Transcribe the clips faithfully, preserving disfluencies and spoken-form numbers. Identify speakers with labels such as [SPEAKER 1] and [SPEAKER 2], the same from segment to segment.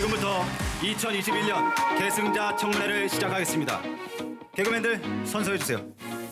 [SPEAKER 1] 지금부터 이천이십일 년 계승자 청문회를 시작하겠습니다. 개그맨들 선서해 주세요.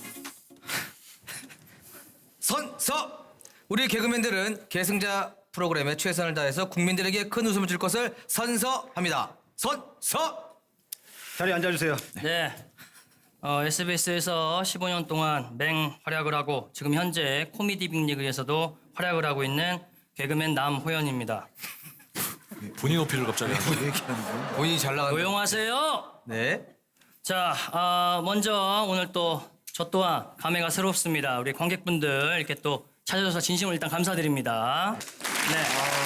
[SPEAKER 2] 선서! 우리 개그맨들은 계승자 프로그램에 최선을 다해서 국민들에게 큰 웃음을 줄 것을 선서합니다. 선서!
[SPEAKER 1] 자리에 앉아주세요.
[SPEAKER 3] 네. 어, 에스비에스에서 십오 년 동안 맹활약을 하고 지금 현재 코미디 빅리그에서도 활약을 하고 있는 개그맨 남호연입니다.
[SPEAKER 4] 본인 어필을 갑자기 하는
[SPEAKER 2] 본인이 잘 나가는
[SPEAKER 3] 조용하세요.
[SPEAKER 2] 네.
[SPEAKER 3] 자, 어, 먼저 오늘 또 저 또한 감회가 새롭습니다. 우리 관객분들 이렇게 또 찾아줘서 진심으로 일단 감사드립니다. 네.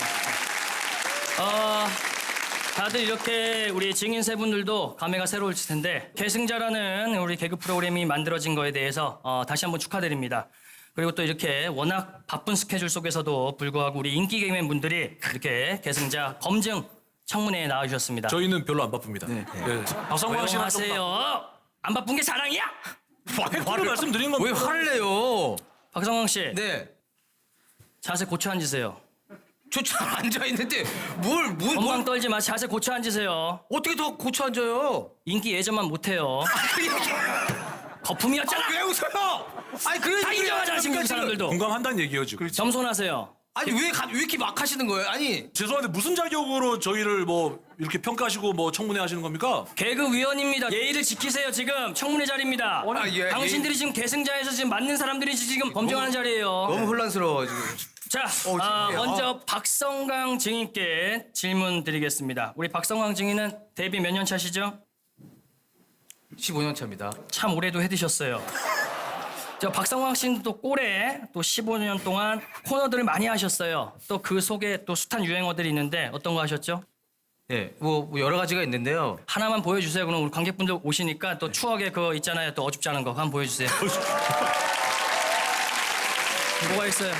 [SPEAKER 3] 어, 다들 이렇게 우리 증인 세 분들도 감회가 새로울 텐데 계승자라는 우리 개그 프로그램이 만들어진 거에 대해서 어, 다시 한번 축하드립니다. 그리고 또 이렇게 워낙 바쁜 스케줄 속에서도 불구하고 우리 인기 개그맨 분들이 이렇게 계승자 검증 청문회에 나와주셨습니다.
[SPEAKER 4] 저희는 별로 안 바쁩니다. 네. 네. 박성광 씨는 좀
[SPEAKER 3] 조용하세요. 안 바쁜 게 자랑이야?
[SPEAKER 4] 팩트로 말씀드린 겁니다.
[SPEAKER 2] 왜 화를 내요?
[SPEAKER 3] 박성광 씨,
[SPEAKER 2] 네.
[SPEAKER 3] 자세 고쳐 앉으세요.
[SPEAKER 2] 저 잘 앉아있는데 뭘, 뭘,
[SPEAKER 3] 건방
[SPEAKER 2] 뭘.
[SPEAKER 3] 떨지 마. 자세 고쳐 앉으세요.
[SPEAKER 2] 어떻게 더 고쳐 앉아요?
[SPEAKER 3] 인기 예전만 못해요. 거품이었잖아.
[SPEAKER 2] 왜 웃어요? 아니, 그래.
[SPEAKER 3] 다 인정하잖아 지금 그 사람들도.
[SPEAKER 4] 공감한다는 얘기예요 지금.
[SPEAKER 3] 겸손하세요.
[SPEAKER 2] 아니, 왜, 가, 왜 이렇게 막 하시는 거예요? 아니.
[SPEAKER 4] 죄송한데 무슨 자격으로 저희를 뭐 이렇게 평가하시고 뭐 청문회 하시는 겁니까?
[SPEAKER 3] 개그위원입니다. 예의를 지키세요. 지금 청문회 자리입니다.
[SPEAKER 2] 아, 예,
[SPEAKER 3] 당신들이
[SPEAKER 2] 예.
[SPEAKER 3] 지금 계승자에서 지금 맞는 사람들이 지금 검증하는 자리예요.
[SPEAKER 2] 너무 혼란스러워, 지금.
[SPEAKER 3] 자,
[SPEAKER 2] 어,
[SPEAKER 3] 아,
[SPEAKER 2] 지금요.
[SPEAKER 3] 먼저 박성광 증인께 질문 드리겠습니다. 우리 박성광 증인은 데뷔 몇 년 차시죠?
[SPEAKER 2] 십오 년 차입니다.
[SPEAKER 3] 참 오래도 해드셨어요. 저 박성광 씨는 또 꼴에 또 십오 년 동안 코너들을 많이 하셨어요. 또 그 속에 또 숱한 유행어들이 있는데 어떤 거 하셨죠?
[SPEAKER 2] 네, 뭐, 뭐 여러 가지가 있는데요.
[SPEAKER 3] 하나만 보여주세요. 그럼 우리 관객분들 오시니까 또 추억의 그거 있잖아요. 또 어줍지 않은 거 한번 보여주세요. 뭐가 있어요?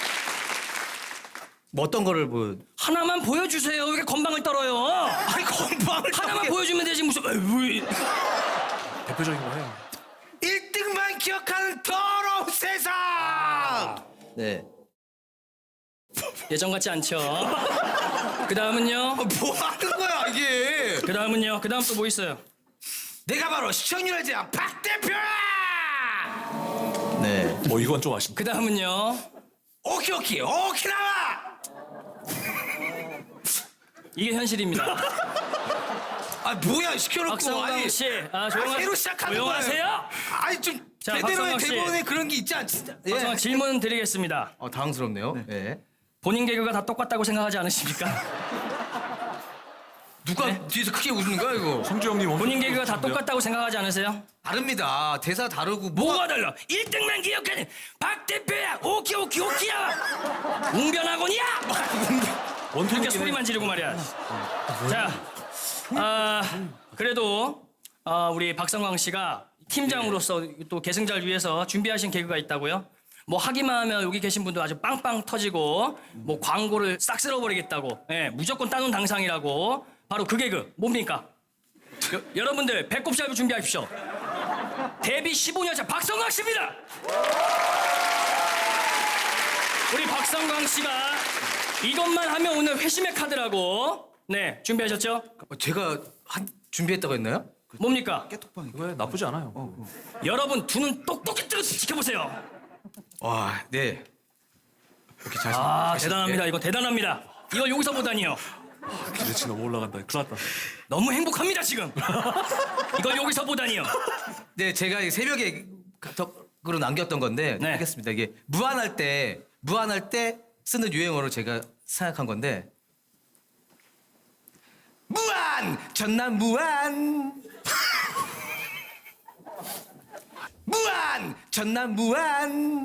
[SPEAKER 2] 뭐 어떤 거를 뭐.
[SPEAKER 3] 하나만 보여주세요. 왜 이렇게 건방을 떨어요?
[SPEAKER 2] 아니, 건방을.
[SPEAKER 3] 하나만 보여주면 되지 무슨... 에이, 왜...
[SPEAKER 4] 대표적인 거예요.
[SPEAKER 2] 일 등만 기억하는 더러운 세상! 네.
[SPEAKER 3] 예전 같지 않죠? 그 다음은요?
[SPEAKER 2] 뭐 하는 거야, 이게?
[SPEAKER 3] 그 다음은요? 그 다음 또 뭐 있어요?
[SPEAKER 2] 내가 바로 시청률의 제왕 박 대표야! 네.
[SPEAKER 4] 뭐 이건 좀 아쉽다.
[SPEAKER 3] 그 다음은요?
[SPEAKER 2] 오키오키, 오키나와!
[SPEAKER 3] 이게 현실입니다.
[SPEAKER 2] 아, 뭐야, 시켜놓고.
[SPEAKER 3] 박성광 씨, 아, 조용하...
[SPEAKER 2] 아, 새로 시작하는 거예요.
[SPEAKER 3] 조용하세요.
[SPEAKER 2] 아니, 좀,
[SPEAKER 3] 자,
[SPEAKER 2] 제대로의
[SPEAKER 3] 박성광 씨.
[SPEAKER 2] 대본에 그런 게 있지 않지? 예.
[SPEAKER 3] 박성광 질문 드리겠습니다.
[SPEAKER 2] 어, 당황스럽네요. 네.
[SPEAKER 3] 본인 개그가 다 똑같다고 생각하지 않으십니까?
[SPEAKER 2] 누가
[SPEAKER 3] 네?
[SPEAKER 2] 뒤에서 크게 웃는 거야, 이거?
[SPEAKER 4] 성주 형님 엄청
[SPEAKER 3] 본인 개그가 다
[SPEAKER 4] 웃으신데요?
[SPEAKER 3] 똑같다고 생각하지 않으세요?
[SPEAKER 2] 다릅니다. 대사 다르고.
[SPEAKER 3] 뭐가 달라? 일 등만 기억하는 박 대표야! 오키 오키 오키야! 웅변학원이야!
[SPEAKER 4] 원통이긴
[SPEAKER 3] 이렇게
[SPEAKER 4] 해.
[SPEAKER 3] 소리만 지르고 말이야. 자, 아, 그래도 아, 우리 박성광 씨가 팀장으로서 또 계승자를 위해서 준비하신 개그가 있다고요? 뭐 하기만 하면 여기 계신 분들 아주 빵빵 터지고 뭐 광고를 싹 쓸어버리겠다고, 예, 무조건 따놓은 당상이라고. 바로 그 개그 뭡니까? 여, 여러분들 배꼽 샵을 준비하십시오. 데뷔 십오 년 차 박성광 씨입니다. 우리 박성광 씨가 이것만 하면 오늘 회심의 카드라고. 네, 준비하셨죠?
[SPEAKER 2] 어, 제가 한, 준비했다고 했나요?
[SPEAKER 3] 뭡니까?
[SPEAKER 4] 왜 나쁘지 않아요.
[SPEAKER 3] 여러분 두 눈 똑똑히 뜨고 지켜보세요.
[SPEAKER 2] 와, 네. 이렇게 잘.
[SPEAKER 3] 아,
[SPEAKER 2] 잘-
[SPEAKER 3] 대단합니다.
[SPEAKER 2] 네.
[SPEAKER 3] 이거 대단합니다. 이걸 여기서 보다니요.
[SPEAKER 4] 기대치 너무 올라간다. 큰일 났다.
[SPEAKER 3] 너무 행복합니다 지금. 이걸 여기서 보다니요.
[SPEAKER 2] 네, 제가 이 새벽에 카톡으로 남겼던 건데
[SPEAKER 3] 네.
[SPEAKER 2] 하겠습니다. 이게 무한할 때 무한할 때 쓰는 유행어로 제가 생각한 건데 무한 전남 무한 무한 전남 무한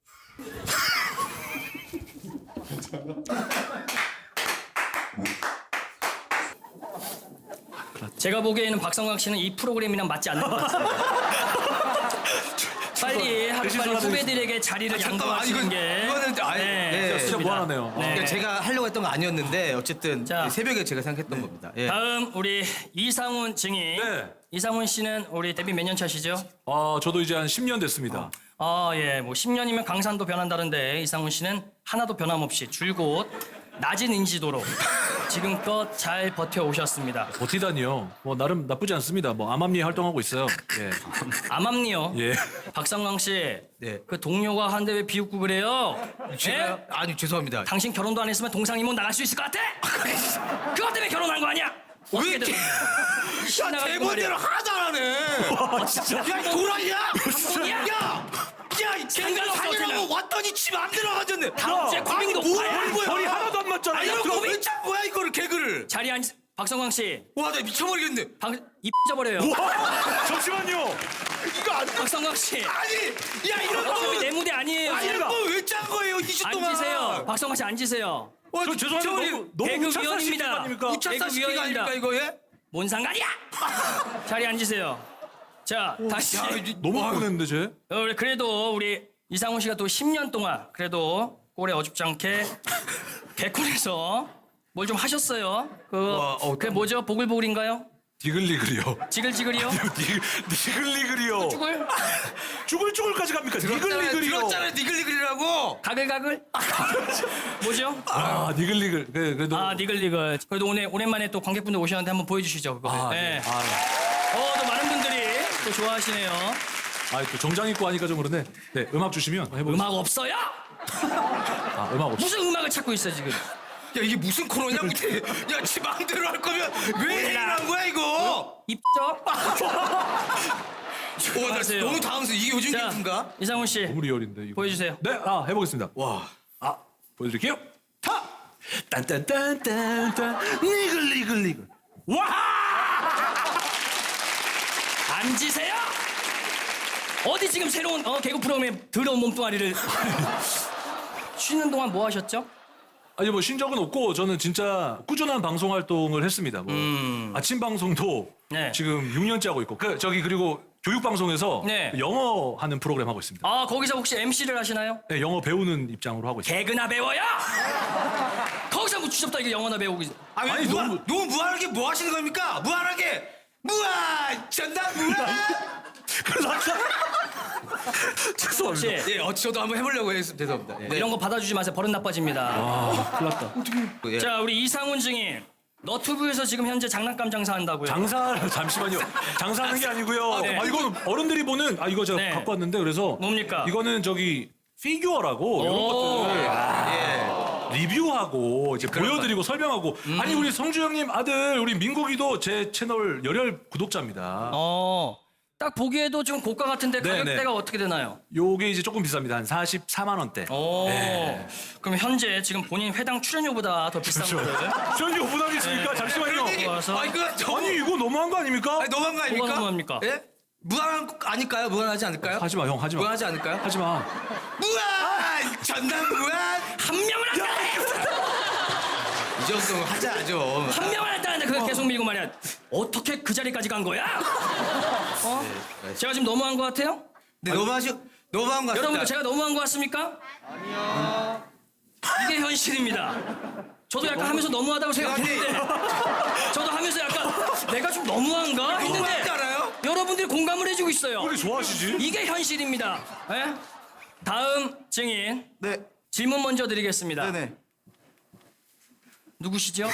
[SPEAKER 3] 제가 보기에는 박성광 씨는 이 프로그램이랑 맞지 않는 것 같습니다. 빨리 하루
[SPEAKER 4] 대신
[SPEAKER 3] 빨리
[SPEAKER 4] 전화드리겠습니다.
[SPEAKER 3] 후배들에게 자리를
[SPEAKER 2] 잠깐만,
[SPEAKER 3] 양보하시는
[SPEAKER 2] 이건-
[SPEAKER 3] 게
[SPEAKER 2] 이거는 아니, 네,
[SPEAKER 3] 좋습니다.
[SPEAKER 4] 진짜 무한하네요.
[SPEAKER 3] 네.
[SPEAKER 2] 그러니까 제가 하려고 했던 거 아니었는데 어쨌든
[SPEAKER 3] 자.
[SPEAKER 2] 새벽에 제가 생각했던 겁니다. 예.
[SPEAKER 3] 다음 우리 이상훈 증인.
[SPEAKER 4] 네.
[SPEAKER 3] 이상훈 씨는 우리 데뷔 몇 년 차시죠?
[SPEAKER 4] 아 저도 이제 한 십 년 됐습니다.
[SPEAKER 3] 아, 예. 뭐 십 년이면 강산도 변한다는데 이상훈 씨는 하나도 변함없이 줄곧 낮은 인지도로 지금껏 잘 버텨오셨습니다.
[SPEAKER 4] 버티다니요. 뭐 나름 나쁘지 않습니다. 뭐 암암리에 활동하고 있어요. 예.
[SPEAKER 3] 암암리요.
[SPEAKER 4] 예.
[SPEAKER 3] 박상광 씨,
[SPEAKER 2] 네.
[SPEAKER 3] 그 동료가 한데 왜 비웃고 그래요?
[SPEAKER 2] 제가
[SPEAKER 3] 예?
[SPEAKER 2] 아니 죄송합니다.
[SPEAKER 3] 당신 결혼도 안 했으면 동상이모 나갈 수 있을 것 같아? 그것 때문에 결혼한 거 아니야?
[SPEAKER 2] 왜
[SPEAKER 3] 어떻게
[SPEAKER 2] 이렇게
[SPEAKER 3] 된-
[SPEAKER 2] 야
[SPEAKER 3] 신나가지고
[SPEAKER 2] 대본대로
[SPEAKER 3] 말이야.
[SPEAKER 2] 하나도 안 하네.
[SPEAKER 4] 아, 진짜.
[SPEAKER 2] 야 도라이야.
[SPEAKER 3] 감동이야?
[SPEAKER 2] 야. 야, 이 생각
[SPEAKER 3] 없어,
[SPEAKER 2] 살려고
[SPEAKER 3] 생각.
[SPEAKER 2] 왔더니 집 안 들어가졌네.
[SPEAKER 3] 다음 주에 고민 높아야.
[SPEAKER 4] 머리 하나도 안 맞잖아.
[SPEAKER 2] 아니, 이거
[SPEAKER 3] 고민-
[SPEAKER 2] 왜 짠 거야 이거를 개그를?
[SPEAKER 3] 자리에 앉... 박성광 씨,
[SPEAKER 2] 와, 나 미쳐버리겠네.
[SPEAKER 3] 박... 입 져버려요.
[SPEAKER 4] 와, 잠시만요. 이거 안 돼.
[SPEAKER 3] 박성광 씨,
[SPEAKER 2] 아니, 야 이런
[SPEAKER 3] 어차피 내
[SPEAKER 2] 거,
[SPEAKER 3] 무대 아니에요.
[SPEAKER 2] 아 이런 거왜짠 거예요 이 주 동안?
[SPEAKER 3] 앉으세요. 박성광 씨 앉으세요.
[SPEAKER 2] 와,
[SPEAKER 4] 저 죄송한데
[SPEAKER 2] 저기
[SPEAKER 4] 너무 너무
[SPEAKER 3] 개그
[SPEAKER 4] 우차사 시키는 거
[SPEAKER 3] 위원입니다.
[SPEAKER 4] 아닙니까?
[SPEAKER 2] 우차사 시키가
[SPEAKER 3] 개그위원입니다.
[SPEAKER 2] 아닙니까 이거 예?
[SPEAKER 3] 뭔 상관이야? 자리에 앉으세요. 자, 다시.
[SPEAKER 2] 야, 이-
[SPEAKER 4] 너무
[SPEAKER 2] 와,
[SPEAKER 4] 뻔했는데 쟤.
[SPEAKER 3] 어, 그래도 우리 이상훈 씨가 또 십 년 동안 그래도 꼴에 어줍지 않게 개콘에서 뭘 좀 하셨어요. 그,
[SPEAKER 2] 와, 어,
[SPEAKER 3] 그게 뭐죠? 보글보글인가요?
[SPEAKER 4] 디글리글이요.
[SPEAKER 3] 지글지글이요?
[SPEAKER 4] 디글, 디글리글이요.
[SPEAKER 3] 쭈글?
[SPEAKER 4] 쭈글쭈글까지 갑니까?
[SPEAKER 2] 들었잖아요,
[SPEAKER 4] 니글니글이요.
[SPEAKER 2] 들었잖아요, 니글니글이라고.
[SPEAKER 3] 가글가글? 뭐죠?
[SPEAKER 4] 아, 니글니글. 그래, 그래도.
[SPEAKER 3] 아, 니글니글. 그래도 오늘 오랜만에 또 관객분들 오셨는데 한번 보여주시죠. 그거.
[SPEAKER 4] 아,
[SPEAKER 3] 네.
[SPEAKER 4] 네. 아,
[SPEAKER 3] 어, 또 많은 분들이 또 좋아하시네요.
[SPEAKER 4] 아, 또 정장 입고 하니까 좀 그러네. 네, 음악 주시면 해보겠습니다.
[SPEAKER 3] 음악 없어요?
[SPEAKER 4] 아, 음악 없이.
[SPEAKER 3] 무슨 음악을 찾고 있어 지금?
[SPEAKER 2] 야 이게 무슨 코너냐? 근데 야, 지 마음대로 할 거면 왜 이러는 거야 이거?
[SPEAKER 3] 입죠?
[SPEAKER 2] 오, 나
[SPEAKER 3] 하세요.
[SPEAKER 2] 너무 당황스러워. 이게 요즘
[SPEAKER 3] 자,
[SPEAKER 2] 기분가?
[SPEAKER 3] 이상훈 씨
[SPEAKER 4] 너무 리얼인데 이거.
[SPEAKER 3] 보여주세요.
[SPEAKER 4] 네, 아, 해보겠습니다.
[SPEAKER 2] 와,
[SPEAKER 4] 아, 보여드릴게요. 타! 딴딴딴딴딴 니글니글니글. 와!
[SPEAKER 3] 앉으세요. 어디 지금 새로운 어, 개그 프로그램에 더러운 몸뚱아리를 쉬는 동안 뭐 하셨죠?
[SPEAKER 4] 아니 뭐 신적은 없고 저는 진짜 꾸준한 방송 활동을 했습니다. 뭐 아침 방송도
[SPEAKER 3] 네.
[SPEAKER 4] 지금 육 년째 하고 있고 그 저기 그리고 교육 방송에서
[SPEAKER 3] 네.
[SPEAKER 4] 영어 하는 프로그램 하고 있습니다.
[SPEAKER 3] 아 거기서 혹시 엠씨를 하시나요?
[SPEAKER 4] 네, 영어 배우는 입장으로 하고 있습니다.
[SPEAKER 3] 개그나 배워요. 거기서 뭐 주접다 이게 영어나 배우고 있-
[SPEAKER 2] 아니,
[SPEAKER 4] 아니,
[SPEAKER 2] 무한,
[SPEAKER 4] 너무-
[SPEAKER 2] 너무 무한하게 뭐 하시는 겁니까? 무한하게 무한 전담 무한.
[SPEAKER 4] 죄송합니다.
[SPEAKER 3] 혹시
[SPEAKER 2] 예, 어, 저도 한번 해보려고 했습니다. 죄송합니다. 예.
[SPEAKER 3] 이런 거 받아주지 마세요. 버릇 나빠집니다.
[SPEAKER 4] 아, 큰일 났다.
[SPEAKER 2] 예.
[SPEAKER 3] 자 우리 이상훈 증인 너튜브에서 지금 현재 장난감 장사한다고요.
[SPEAKER 4] 장사 잠시만요. 장사하는 게 아니고요. 아,
[SPEAKER 3] 네.
[SPEAKER 4] 이거는 어른들이 보는 아 이거 제가
[SPEAKER 3] 네.
[SPEAKER 4] 갖고 왔는데 그래서
[SPEAKER 3] 뭡니까?
[SPEAKER 4] 이거는 저기 피규어라고 이런
[SPEAKER 3] 오.
[SPEAKER 4] 것들
[SPEAKER 2] 예.
[SPEAKER 4] 리뷰하고 이제
[SPEAKER 2] 그런
[SPEAKER 4] 보여드리고 설명하고
[SPEAKER 3] 음.
[SPEAKER 4] 아니 우리 성주 형님 아들 우리 민국이도 제 채널 열혈 구독자입니다.
[SPEAKER 3] 어. 딱 보기에도 좀 고가 같은데
[SPEAKER 4] 네,
[SPEAKER 3] 가격대가
[SPEAKER 4] 네.
[SPEAKER 3] 어떻게 되나요?
[SPEAKER 4] 요게 이제 조금 비쌉니다. 한 사십사만 원대.
[SPEAKER 3] 오.
[SPEAKER 4] 네.
[SPEAKER 3] 그럼 현재 지금 본인 회당 출연료보다 더 비싼
[SPEAKER 4] 그렇죠.
[SPEAKER 3] 거예요?
[SPEAKER 4] 저희 오분하게 있으니까
[SPEAKER 3] 네.
[SPEAKER 4] 잠시만요.
[SPEAKER 2] 그런 얘기.
[SPEAKER 3] 와서.
[SPEAKER 2] 아니 그 저,
[SPEAKER 4] 아니 이거 너무한 거 아닙니까?
[SPEAKER 2] 아니 너무한 거 아닙니까?
[SPEAKER 3] 뭐가 너무합니까?
[SPEAKER 2] 예? 무한한 거 아닐까요? 무한하지 않을까요?
[SPEAKER 4] 하지 마, 형 하지 마.
[SPEAKER 2] 무한하지 않을까요?
[SPEAKER 4] 하지 마.
[SPEAKER 2] 무한 전담 무한.
[SPEAKER 3] 한 명을 안 따라
[SPEAKER 2] 이 정도는 하자죠.
[SPEAKER 3] 한 명을 안 따는데 그걸 계속 밀고 말이야. 어떻게 그 자리까지 간 거야? 어? 제가 지금 너무한 거 같아요?
[SPEAKER 2] 네, 너무하시 너무한 거 같습니다.
[SPEAKER 3] 여러분들 제가 너무한 거 같습니까? 아니요. 이게 현실입니다. 저도 약간 하면서 너무하다고 생각했는데 저도 하면서 약간 내가 좀 너무한가
[SPEAKER 2] 너무하지
[SPEAKER 3] 했는데
[SPEAKER 2] 않아요?
[SPEAKER 3] 여러분들이 공감을 해주고 있어요.
[SPEAKER 4] 왜 이렇게 좋아하시지?
[SPEAKER 3] 이게 현실입니다. 예? 다음 증인
[SPEAKER 2] 네,
[SPEAKER 3] 질문 먼저 드리겠습니다.
[SPEAKER 2] 네네.
[SPEAKER 3] 누구시죠?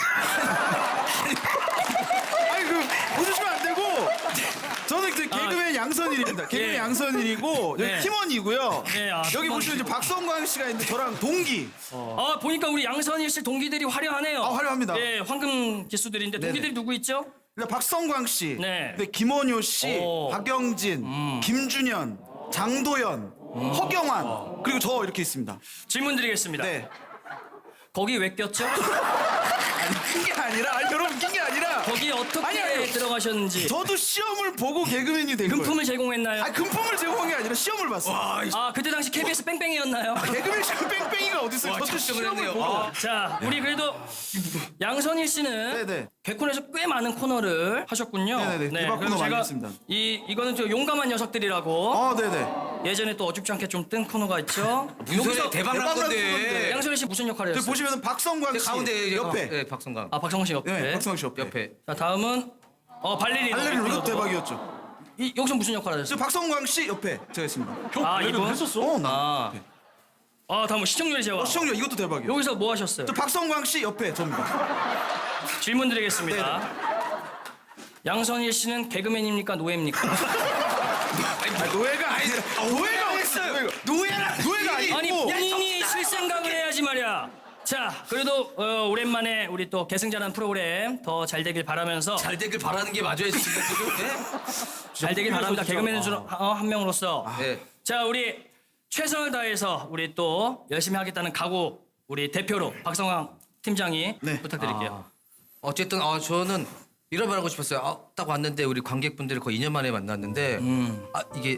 [SPEAKER 5] 아니 그 웃으시면 안 되고 저는 그 개그맨 양선일입니다. 개그맨
[SPEAKER 3] 예.
[SPEAKER 5] 양선일이고 여기
[SPEAKER 3] 네.
[SPEAKER 5] 팀원이고요.
[SPEAKER 3] 네, 아,
[SPEAKER 5] 여기
[SPEAKER 3] 팀원.
[SPEAKER 5] 보시면 이제 박성광 씨가 있는데 저랑 동기.
[SPEAKER 3] 아 보니까 우리 양선일 씨 동기들이 화려하네요.
[SPEAKER 5] 아, 화려합니다.
[SPEAKER 3] 예, 황금 기수들인데 동기들이 누구 있죠?
[SPEAKER 5] 일단 박성광 씨,
[SPEAKER 3] 네.
[SPEAKER 5] 네, 김원효 씨,
[SPEAKER 3] 오.
[SPEAKER 5] 박영진, 김준현, 장도연, 허경환 그리고 저 이렇게 있습니다.
[SPEAKER 3] 질문 드리겠습니다.
[SPEAKER 5] 네.
[SPEAKER 3] 거기 왜 꼈죠?
[SPEAKER 5] 아니 웃긴 게 아니라 아니 여러분 웃긴 게 아니라
[SPEAKER 3] 거기 어떻게
[SPEAKER 5] 아니, 아니.
[SPEAKER 3] 들어가셨는지
[SPEAKER 5] 저도 시험을 보고 개그맨이 된 거예요.
[SPEAKER 3] 금품을 제공했나요?
[SPEAKER 5] 아니 금품을 제공한 게 아니라 시험을 봤어요.
[SPEAKER 3] 아 그때 당시 케이비에스 뺑뺑이였나요?
[SPEAKER 5] 개그맨 시험 뺑뺑이가 어디 있어요?
[SPEAKER 2] 와,
[SPEAKER 5] 저도
[SPEAKER 2] 작정을
[SPEAKER 5] 시험을
[SPEAKER 2] 했네요.
[SPEAKER 5] 보고.
[SPEAKER 2] 아.
[SPEAKER 3] 자 우리 그래도 양선일 씨는
[SPEAKER 5] 네네.
[SPEAKER 3] 개콘에서 꽤 많은 코너를 하셨군요.
[SPEAKER 5] 네네네. 대박
[SPEAKER 3] 그래서
[SPEAKER 5] 코너 많이
[SPEAKER 3] 제가
[SPEAKER 5] 했습니다.
[SPEAKER 3] 이 이거는 저 용감한 녀석들이라고
[SPEAKER 5] 아 네네.
[SPEAKER 3] 예전에 또 어줍지 않게 좀 뜬 코너가 있죠.
[SPEAKER 2] 무슨 소리야? 대박 난
[SPEAKER 5] 대박 난
[SPEAKER 2] 건데.
[SPEAKER 5] 건데.
[SPEAKER 3] 양선일 씨 무슨 역할을
[SPEAKER 5] 여기
[SPEAKER 3] 했어요?
[SPEAKER 5] 보시면 박성광 씨
[SPEAKER 2] 가운데 이제
[SPEAKER 5] 옆에.
[SPEAKER 2] 예, 박성광.
[SPEAKER 3] 아 박성광 씨 옆에.
[SPEAKER 5] 네, 박성광 씨 옆에.
[SPEAKER 2] 옆에.
[SPEAKER 3] 자 다음은 어 발레리노.
[SPEAKER 5] 발레리노 이것도 대박이었죠.
[SPEAKER 3] 이, 여기서 무슨 역할을
[SPEAKER 5] 저
[SPEAKER 3] 하셨어요?
[SPEAKER 5] 박성광 씨 옆에 제가 있습니다.
[SPEAKER 4] 형
[SPEAKER 3] 아,
[SPEAKER 4] 발레리노
[SPEAKER 3] 이분?
[SPEAKER 4] 했었어?
[SPEAKER 5] 어, 나.
[SPEAKER 3] 아, 아 다음은 시청률의 제왕.
[SPEAKER 5] 어, 시청률 이것도 대박이요.
[SPEAKER 3] 여기서 뭐 하셨어요?
[SPEAKER 5] 저 박성광 씨 옆에 접니다.
[SPEAKER 3] 질문 드리겠습니다. 양선일 씨는 개그맨입니까 노예입니까?
[SPEAKER 5] 아, 노예가 아니 아, 노예가 했어요. 노예라 노예가 아니고.
[SPEAKER 3] 아니 본인이 실생각을 해야지 말이야. 자, 그래도 어, 오랜만에 우리 또 계승자라는 프로그램 더 잘 되길 바라면서
[SPEAKER 2] 잘 되길 바라는 게 맞아요 지금. 네?
[SPEAKER 3] 잘 되길 바랍니다. 개그맨 중 어, 한 명으로서.
[SPEAKER 2] 네.
[SPEAKER 3] 자, 우리 최선을 다해서 우리 또 열심히 하겠다는 각오 우리 대표로 박성광 팀장이
[SPEAKER 5] 네.
[SPEAKER 3] 부탁드릴게요.
[SPEAKER 2] 어쨌든 아 저는 이런 말 하고 싶었어요. 아, 딱 왔는데 우리 관객분들을 거의 이 년 만에 만났는데 아 이게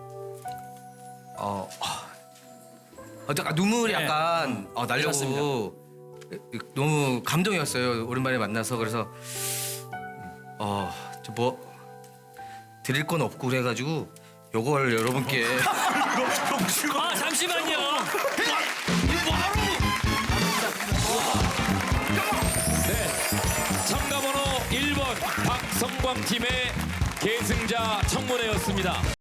[SPEAKER 2] 어, 아, 어 약간 눈물이
[SPEAKER 3] 네.
[SPEAKER 2] 약간 어, 날려고 너무 감동이었어요. 오랜만에 만나서 그래서 어뭐 드릴 건 없고 그래가지고 요걸 여러분께
[SPEAKER 3] 아, 잠시만요.
[SPEAKER 6] 참가번호 일 번 박성광 팀의 계승자 청문회였습니다.